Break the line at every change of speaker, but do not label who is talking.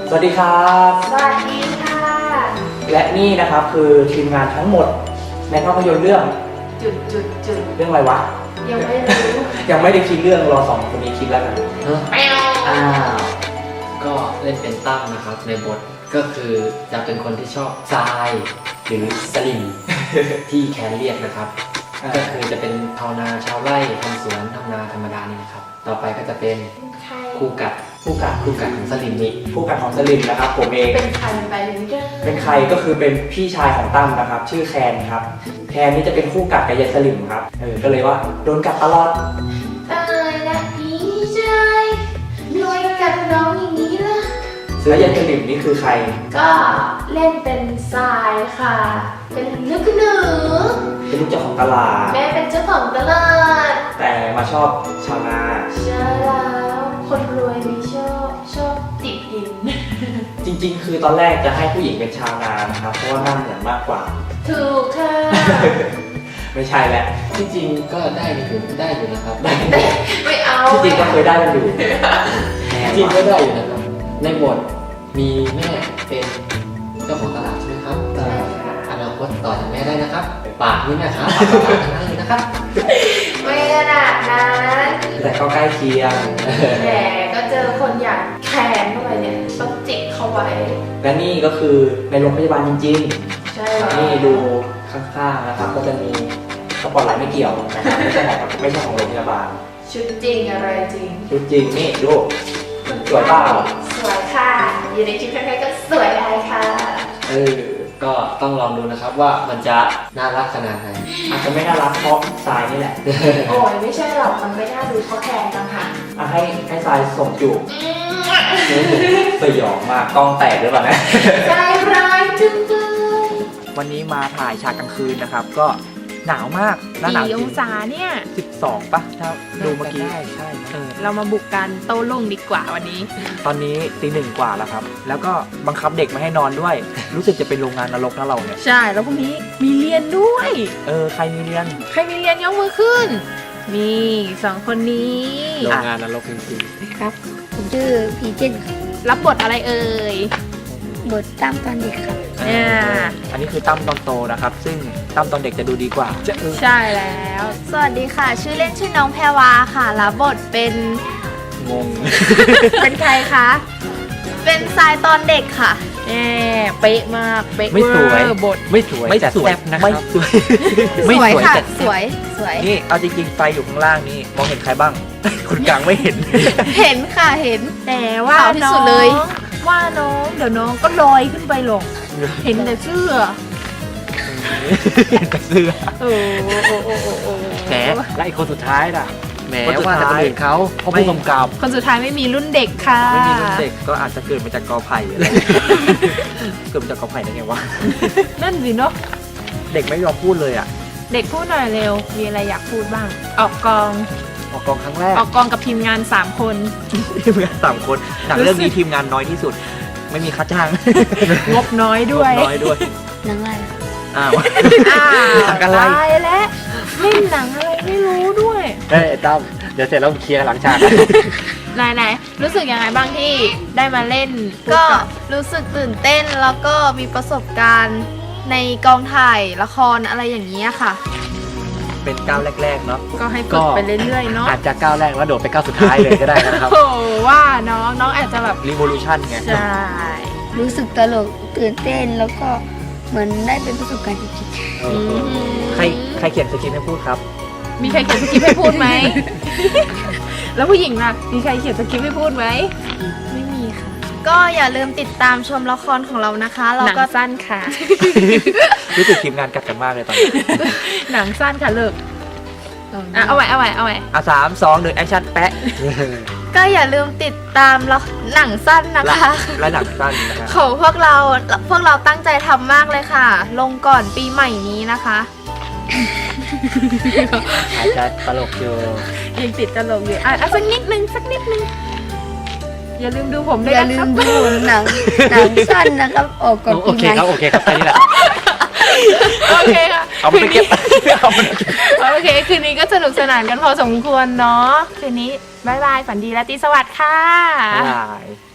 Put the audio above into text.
สวัสดีครับ
สวัสดีค่ะ
และนี่นะครับคือทีมงานทั้งหมดในภาพยนตร์เรื่องเรื่องอะไรวะ
ยังไม่รู้
ยังไม่ได้คิดเรื่องรอสองคนนี้คิดแล้วกันอ้าว
ก็เล่นเป็นตั้มนะครับในบทก็คือจะเป็นคนที่ชอบทรายหรือสลิม ที่แคนเรียกนะครับก็คือจะเป็นชาวนาชาวไร่ทำสวนทำนาธรรมดานี่นะครับต่อไปก็จะเป็นคู่กัดของสลิมนี่
ผู้กันของสลิมนะครับผมเอง
เป็นใครไปเลยไม่ได้
เป็นใครก็คือเป็นพี่ชายของตั้มนะครับชื่อแคนครับแคนนี่จะเป็นคู่กัดกับยายสลิมครับก็เลยว่าโดนกัดตลอด
และพี่ชายรวยกับน้องอย่างนี้ล่ะ
แล้วยายสลิมนี่คือใคร
ก็เล่นเป็นทรายค่ะ เป็นลูกหนู
เป็นลูกเจ้าของตลาด
แม่เป็นเจ้าของตลาด
แต่มาชอบชาวนา
ใช่แล้วคนรวยไม่ชอบติดดิน
จริงๆ คือตอนแรกจะให้ผู้หญิงเป็นชาวนานะครับเพราะว่าหน้าเหมือนมากกว่า
ถูกค่ะ
ไม่ใช่แหละ
ที่จริงก็ได้อยู่นะครับ
ไม่เอา
ที่จริงก็เคยได้กันอยู่
จริงก็ได้อยู่นะครับในบทมีแม่เป็นเจ้าของตลาดใช่ไหมครับ
ใช่ค่ะ
อนาคตต่อจากแม่ได้นะครับปากนี่นะครับปากต่อปากทั้งนั้นเลยนะครับ
ไม่ขนาดนั้น
แต่ก็ใกล้เคียง
แต่ก็เจอคนอยากแขนเข้าไปเนี่ยต้องจิกเข้าไว้
และนี่ก็คือในโรงพยาบาลจริง
ใช่
ๆ นี่ดูข้างๆนะครับ ก็จะมีสปอตไลท์ไม่เกี่ยวนะครับไม่ใช่ของโรงพยาบาล
ชุดจริงอะไรจริง
ชุดจริงนี่ดูสวยเปล่า
สวยค่ะอยู่ในชุดใครๆก็สวยได้ค่ะ
ก็ต้องลองดูนะครับว่ามันจะน่ารักขนาดไหน
อาจจะไม่น่ารักเพราะทรายนี่แหละ
โอ้ยไม่ใช่หรอกมันไม่น่าดูเพราะแขนต่างหาก
ให้ทรายส่งจูบสยองมากกล้องแตกหรือเปล่านะ
ใจร้ายจังเลย
วันนี้มาถ่ายฉากกลางคืนนะครับ ก็หนาวมากหน้าหนาวจ
กี่
ริ
อง งศาเนี่ย
12ป่ะถ้าดูเมื่อกี้ใช่
เรามาบุกกันโต้รุ่งดีกว่าวันนี้
ตอนนี้ตีหนึ่งกว่าแล้วครับ แล้วก็บังคับเด็กไม่ให้นอนด้วย รู้สึกจะเป็นโรงงานนรกนะเราเนี่ย
ใช่ แล้วพรุ่งนี้มีเรียนด้วย
ใครมีเรียน
ใครมีเรียนยกมือขึ้น นี่สองคนนี้
โรงงานนรกจริง
ครับ ผมชื่อพีเจนครับ
รับบทอะไรเอ่ย
บทตามตอนเด็กครับ
เนี่ย
อันนี้คือตั้มตอนโตนะครับ ซึ่งตั้มตอนเด็กจะดูดีกว่า
ใช่แล้ว
สวัสดีค่ะ ชื่อเล่นชื่อน้องแพรวาค่ะรับบทเป็น
งง
เป็นใครคะ
เป็นทรายตอนเด็กค่ะ
แน่เป๊ะมาก เป๊ะ
ไม่สวย
เวอร์บท
ๆ ไม่สวย
ไม่
แต่
สวย
แซ่บนะค
ไม่
รับ
สวย
สวยค่ะ
แต่
สวยสวย
นี่เอาจริงๆไฟอยู่ข้างล่างนี่มองเห็นใครบ้าง คุณกลางไม่เห็น
เห็นค่ะเห็น
แต่ว่า
ขาวที่
น้อ
สุดเลย
งว่าน้องเดี๋ยวน้องก็ลอยขึ้นไปหรอก เห็นแต่เสื้อ
เห็นแต่เสื้อ
โอ้โอ้
แหมและอีกคนสุดท้ายน่ะแหม
คนสุด
ว่าแต่
ท้าย
คนอื่นเขาเพราะผู้กำกับ
คนสุดท้ายไม่มีรุ่นเด็กค่ะ
ไม่มีรุ่นเด็กก็อาจจะเกิดมาจากกอไผ่อะไร เกิดมาจากกอไผ่ได้ไงวะ
นั่นสิเนาะ
เด็กไม่ยอมพูดเลยอ่ะ
เด็กพูดหน่อยเร็ว มีอะไรอยากพูดบ้าง ออกกอง
ออกกองครั้งแรก
ออกกองกับทีมงาน 3 คน
ทีมงาน3 คนหนังเรื่องนี้ทีมงานน้อยที่สุด ไม่มีค่าจ้าง
งบน้อยด้วย
น้อยด้วย
หนังอะไรครับ
อ้าว
อ้าว
หนังอะไร
ตายแล้วเล่นหนังอะไรไม่รู้ด้วย
เฮ้ยตั้มเดี๋ยวเสร็จแล้วเคลียร์หลังฉาก
ไหนรู้สึกยังไงบ้างที่ได้มาเล่น
ก็รู้สึกตื่นเต้นแล้วก็มีประสบการณ์ในกองถ่ายละครอะไรอย่างนี้ยค่ะ
เป็นก้าวแรกๆเนาะ
ก็ให้ฝึกไปเรื่อยๆเนาะ
อาจจะก้าวแรกแล้วโดดไปก้าวสุดท้ายเลยก็ได้นะครับ
โอ้ว่าน้องอาจจะแบบ
Revolution ไง
ใช่
รู้สึกตลกตื่นเต้นแล้วก็เหมือนได้เป็นประสบการณ์จริง
ใครเขียนสคริปต์ให้พูดครับ
มีใครเขียนสคริปต์ให้พูดไหม แล้วผู้หญิงล่ะ มีใครเขียนสคริปต์ให้พูดไหม
ๆไม่มีค่ะ
ก็อย่าลืมติดตามชมละครของเรานะคะเรา
หนัง
ก็
สั้นค่ะ
รู้สึกทีมงานกัดกันมากเลยตอนนี้
หนังสั้นค่ะเลิกเอาใหม่
3 2 1แอคชั่นแปะ
ก็อย่าลืมติดตามหนังสั้นนะคะ
และหนังสั้นนะครับ
ของพวกเราตั้งใจทำมากเลยค่ะ ลงก่อนปีใหม่นี้นะคะ
อาจจะตลกอยู่
ยังติดตลกอยู่สักนิดนึงอย่าลืมดูผมด้วย
อย่า
นะ
ลื
ครั
ม
บ
ดูหนังสั้นนะครับ ออกก่อน
โอ
ปี
เค
ใหม่
ครับโอเคครับแค่นี้แหละ
โอเคค่ะ
เอามันไปเก็บ เอามันไปเก็บ
โอเค คืนนี้ก็สนุกสนานกันพอสมควรเนาะ คืนนี้บ๊ายบาย ฝันดีราตรีสวัสดิ์ค่ะ
บ๊ายบาย